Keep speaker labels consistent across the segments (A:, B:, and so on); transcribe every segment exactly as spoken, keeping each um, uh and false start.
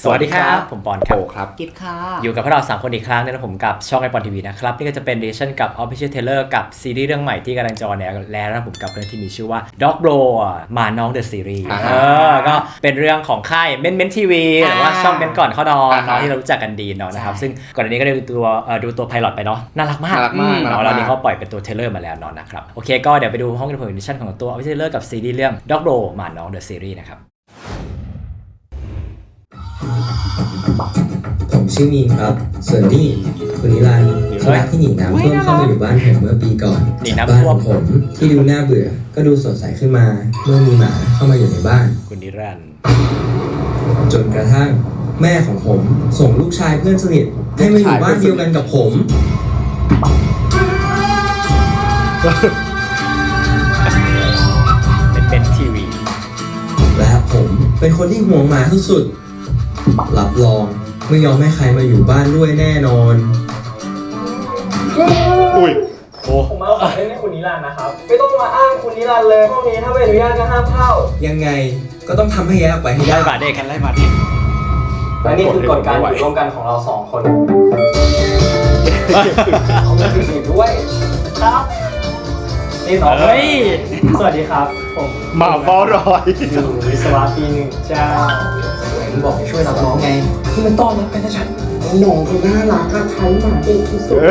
A: สวัสดีครับผมปอนครับ
B: ครับ
C: กิฟค่ะ
A: อยู่กับพวกเราสามคนอีกครั้งนะผมกับช่องไอปอนทีวีนะครับนี่ก็จะเป็นเรชั่นกับ Official Trailer กับซีรีส์เรื่องใหม่ที่กำลังจะออนแอร์แล้วนะผมกับเรื่องที่มีชื่อว่า Dog Bro มาน้อง The Series เออก็เป็นเรื่องของค่ายเม้นเม้นทีวีหรือว่าช่องเม้นก่อนเข้านอนเนาะที่เรารู้จักกันดีเนาะนะครับซึ่งก่อนหน้านี้ก็ได้ดูตัวดูตัวไพลอตไปเนาะน่ารักมากเนาะแล้วนี่เขาปล่อยเป็นตัวเทเลอร์มาแล้วเนาะนะครับโอเคก็เดี๋ยวไปดูห้องอินโฟมิชั่นของตัว Official Trailer กับซีรีส์เรื่อง Dog Bro มาน้อง The Series นะครับ
D: ผมชื่อมีนครับส่วนนี่คุณนิรันดร์สุนัขที่หนีน้ำท่วมเข้ามาอยู่บ้านผมเมื่อปีก่อนบ้านของผมที่ดูน่าเบื่อก็ดูสดใสขึ้นมาเมื่อมีหมาเข้ามาอยู่ในบ้าน
A: คุณนิรันดร์
D: จนกระทั่งแม่ของผมส่งลูกชายเพื่อนสนิทให้มาอยู่บ้านเดียวกันกับผม
A: เป็นเป็นทีวี
D: และผมเป็นคนที่ห่วงหมาสุดๆรับรองไม่ยอมให้ใครมาอยู่บ้านด้วยแน่นอน
B: อุ้ย
E: โอ้ผมมาขอเล่นให้คุณนิรันดร์นะครับไม่ต้องมาอ้างคุณนิรันดร์เลยพวกนี้ถ้าไม่อนุญาตก็ห้ามเข้า
D: ยังไงก็ต้องทำให้แยกออกไปให้ได้
A: ไล่มาเด็กกันไล่มาดิ
E: และนี่คือกฎการอยู่ร่วมกันของเราสองคนเขาไม่ผิดด้วยครับนี่สองเฮ้ยสวัสดีครับผม
B: มาเฝ้ารอย
E: อยู่วิศวะปีหนึ่งเจ้า
D: ผมบอกให้ช่วยรับน้องไง
E: ที่มันต้อนรับกันนะฉันน้องคนน่ารักอะใช้หมาเด็กที่สุด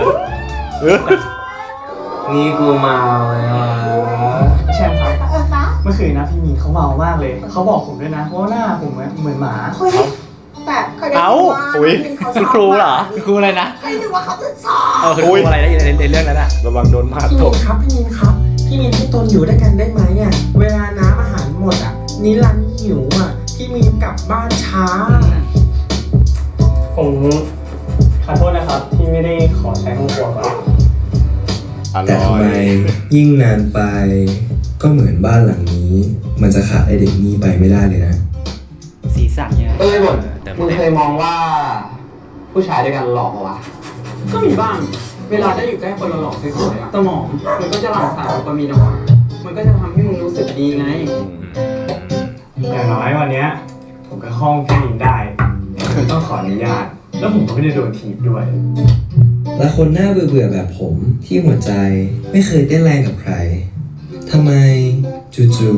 E: นี่กูเมาเลยอ่ะแชมป์ครับเมื่อคืนนะพี่มีเขาเมามากเลยเขาบอกผมด้วยนะว่าหน้าผมเหมือนหมา
C: แต่เขาได้
A: ว่าคุณครูเหรอคุณครูอะไรนะ
C: ไม่รู้ว่าเขาจะสอน
A: เออคุณครูอะไรนะในเรื่องนั้นอะ
B: ระวังโดนหมาต
F: บครับพี่มินครับพี่มินให้ตนอยู่ด้วยกันได้ไหมอ่ะเวลาน้ำอาหารหมดอ่ะนิรันดร์หิวอ่ะพี่มินกลับบ้านช้า
E: ผมขอโทษนะครับที่ไม่ได้ขอใช้ห้องครัวก่อน
D: แต่ทำไมยิ่งนานไปก็เหมือนบ้านหลังนี้มันจะขาดไอเด็กนี้ไปไม่ได้เลยนะ
A: สีสันเนี่ย
G: เอ้ยบทมึงเคยมองว่าผู้ชายด้วยกันหลอกปะวะ
F: ก็มีบ้างเวลาได้อยู่ใกล้คนหลอกสวยๆอะสมองมันก็จะหลั่งสารโดปามีนออกมามันก็จะทำให้มึงรู้สึกดีไง
E: อย่างน้อยวันนี้ผมก็ห้องแค่นี้ได้คือต้องขออนุญาตแล้วผมก็ไม่ได้โดนถีบด้วย
D: และคนหน้าเบื่อๆแบบผมที่หัวใจไม่เคยเต้นแรงกับใครทำไมจู่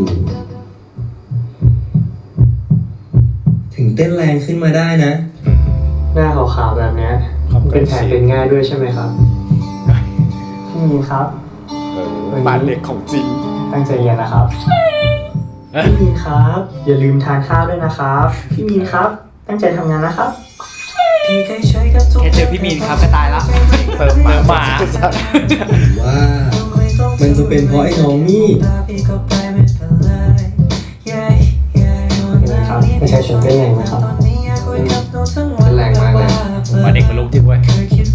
D: ๆถึงเต้นแรงขึ้นมาได้นะ
E: หน้าขาวๆแบบนี้เป็นแผลเป็นง่ายด้วยใช่ไหมครับพี่มีครับ
B: บาดเด็กของจริง
E: ตั้งใจเรียนนะครับพี่มีครับอย่าลืมทานข้าวด้วยนะครับพี่มีครับตั้งใจทำงานนะครับ
A: แค่เจอพี่มีนครับก็ตายละเติมมาหมา
D: ว่ามันจะเป็นเพราะไอ้น้องนี่
E: ครับไม่ใช่ฉันเป็นแรงไหมครับ
G: เป็นแรงมากเลย
A: มาเด็กเป็นลูกจริงเว้ย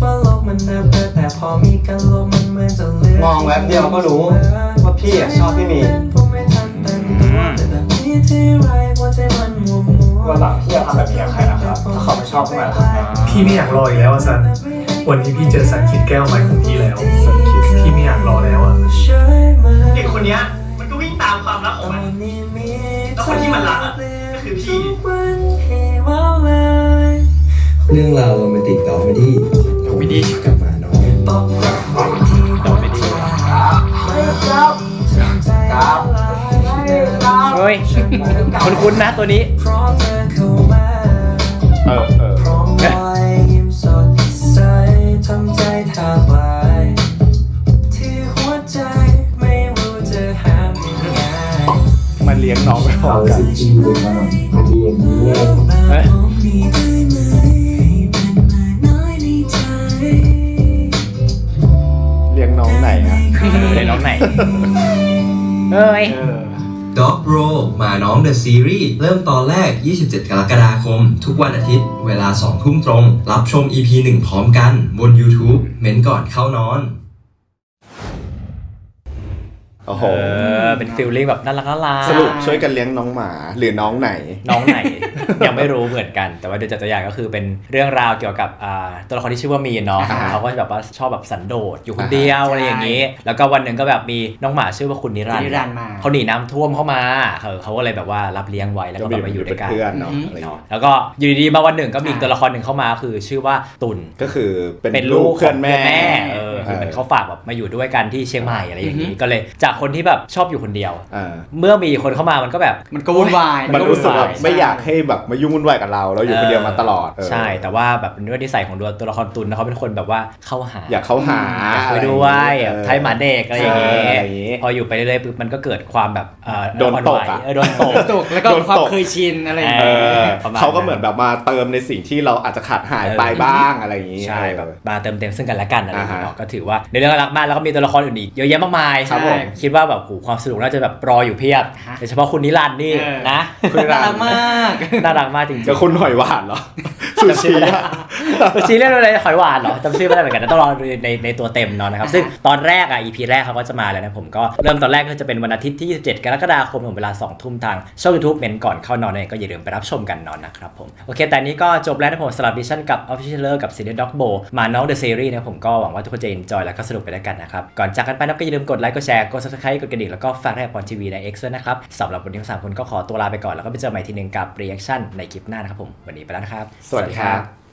G: มองแวบเดียวก็รู้ว่าพี่ชอบพี่มี
E: วันหลังพี่จะทำแบบนี้กับใครนะครับถ้าเขาไม่ชอบทำไมล่ะ
H: พี่ไม่อยากรออีกแล้วอ่ะซันวันนี้พี่เจอสันคิดแก้วใหม่ของพี่แล้วพี่ไม่อยากรอแล้วอ่ะ
E: เด็กคนนี้มันก็วิ่งตามความรักของมันแล้วคนที่มันรักอ่ะก็คือพี่
D: เรื่องราวโรแมนติกต่อไปที่
A: วิดี
D: กับหมาน้อง
A: ต่อไปดี
G: ครับครับ
A: เฮ้ยคุ้นๆนะตัวนี้
B: เออเออมันเลี้ยงน้องไปพร้อมกันเลี้ยงน้องไหนอะ
A: เลี้ยงน้องไหนเฮ้ย
D: Dog Bro หมาน้อง The Series เริ่มตอนแรกยี่สิบเจ็ดกรกฎาคมทุกวันอาทิตย์เวลาสองทุ่มตรงรับชม อี พี หนึ่งพร้อมกันบน YouTube เม้นก่อนเข้านอน
B: โอ้โห
A: เป็นฟีลลิ่งแบบน่ารักน่ารัก
B: สรุปช่วยกันเลี้ยงน้องหมาหรือน้องไหน
A: น้องไหนยังไม่รู้เหมือนกันแต่ว่าโดยจากตัวอย่างก็คือเป็นเรื่องราวเกี่ยวกับอ่าตัวละครที่ชื่อว่ามีนเนาะ
B: อ่า
A: เขาก็แบบว่าชอบแบบสันโดษอยู่คนเดียวอะไรอย่างนี้ แล้วก็วันหนึ่งก็แบบมีน้องหมาชื่อว่าคุณนิรันด
F: นิ
A: ร์
F: รันดร์มา
A: เขาหนีน้ำท่วมเข้ามาเออเขาก็เลยแบบว่ารับเลี้ยงไว้แล้วก็แบบมาอยู่ด้วยกัน
B: เพื่อนเนาะอะไรอย่าง
A: เนาะ
B: เงี้ย
A: แล้วก็อยู่ดีๆมาวันหนึ่งก็มีอีกตัวละครหนึ่งเข้ามาคือชื่อว่าตุล
B: ก็คือเป็น
A: เป็น
B: ลู
A: ลู
B: ก
A: ก
B: เพื่อนแม่
A: เออคือเหมันเขาฝากแบบมาอยู่ด้วยกันที่เชียงใหม่อะไรอย่างนี้ก็เลยจากคนที่แบบชอบอยู่คนเดียว
B: อ่า
A: เมื่อมีคนเข้ามามันก็แบบ
F: มันก็วุ่นวาย
B: มันรู้สึกแบบ
A: ใช่
B: ไม่อยากให้แบบมายุ่งวุ่นวายกับเราเราอยู่คนเดียวมาตลอดเออ
A: ใช่แต่ว่าแบบด้วยนิสัยของตัวตัวละครตุลนะเขาเป็นคนแบบว่าเข้าหา
B: อยากเข้าหา
A: อยากคุยด้วยแบบไทยหมาเด็กอะไรอย่าง
B: เอ
A: งี้
B: ออะไรอย่างงี้
A: พออยู่ไปเรื่อยๆปุ๊บมันก็เกิดความแบบเอ่อ
B: โดนตก
A: อ่อไหว
B: อะ
A: เออโดนตก
F: ตกแล้วก็
B: โดนตก
F: ความเคยชินอะไรอย่าง
B: เอ
F: เงี้ย
B: อ
A: ประมาณ
B: เขาก็เหมือนแบบมาเติมในสิ่งที่เราอาจจะขาดหายไปบ้างอะไรอย่างงี้
A: ใช่
B: เออ
A: แบบมาเติมเต็มซึ่งกันและกันอะไรอย่างเงี้ย
B: อ่าฮะ
A: เนาะก็ถือว่าในเรื่องรักมากแล้วก็มีตัวละครอื่นอีกเยอะแยะมากมาย
B: ครับผม
A: คิดว่าแบบโหความสนุกน่าจะแบบรออยู่เพียบโดยเฉพาะคุณนิรันดร์นี่
F: เออ
A: นะ
B: คุณนิรั
F: น่าน
B: ด
F: รัก
B: ร์
F: มาก
A: น่ารักมากจริงๆ
B: จะคุณหอยหวานเหรอซูชิอะ
A: ซูชิเรื่องอะไรหอยหวานเหรอจำชื่อไม่ได้เหมือนกันนะต้องรอดูในในตัวเต็มเนาะนะครับซึ่งตอนแรกอ่ะ อี พี แรกเขาก็จะมาแล้วนะผมก็เริ่มตอนแรกก็จะเป็นวันอาทิตย์ที่ยี่สิบเจ็ดกรกฎาคมของเวลาสองทุ่มทางช่อง YouTube เมนก่อนเข้านอนเนี่ยก็อย่าลืมไปรับชมกันนอนนะครับผมโอเคแต่นี้ก็จบแล้วนะผมสำหรับดิชั่นกับ Official Trailer กับซีรีส์ Dog Bowl มาน้อง The Series นะผมก็หวังว่าทุกคนจะ enjoy แล้วก็สนุกไปด้วยกันนะครับก่อนจากกันไปนะก็อย่าลืมกดไลค์กดแชร์กด Subscribe กดกระดิ่งแล้วก็ฝากแรกพรทีวีใน X ด้วยนะครับสำหรับวันนี้ทั้งสามคนก็ขอตัวลาไปก่อนแล้วก็ไปเจอใหม่ทีนึงกับ reaction ในคลิปหน้านะครับผมวันนี้ไปแล้วนะครับ
B: สวัสดีครับ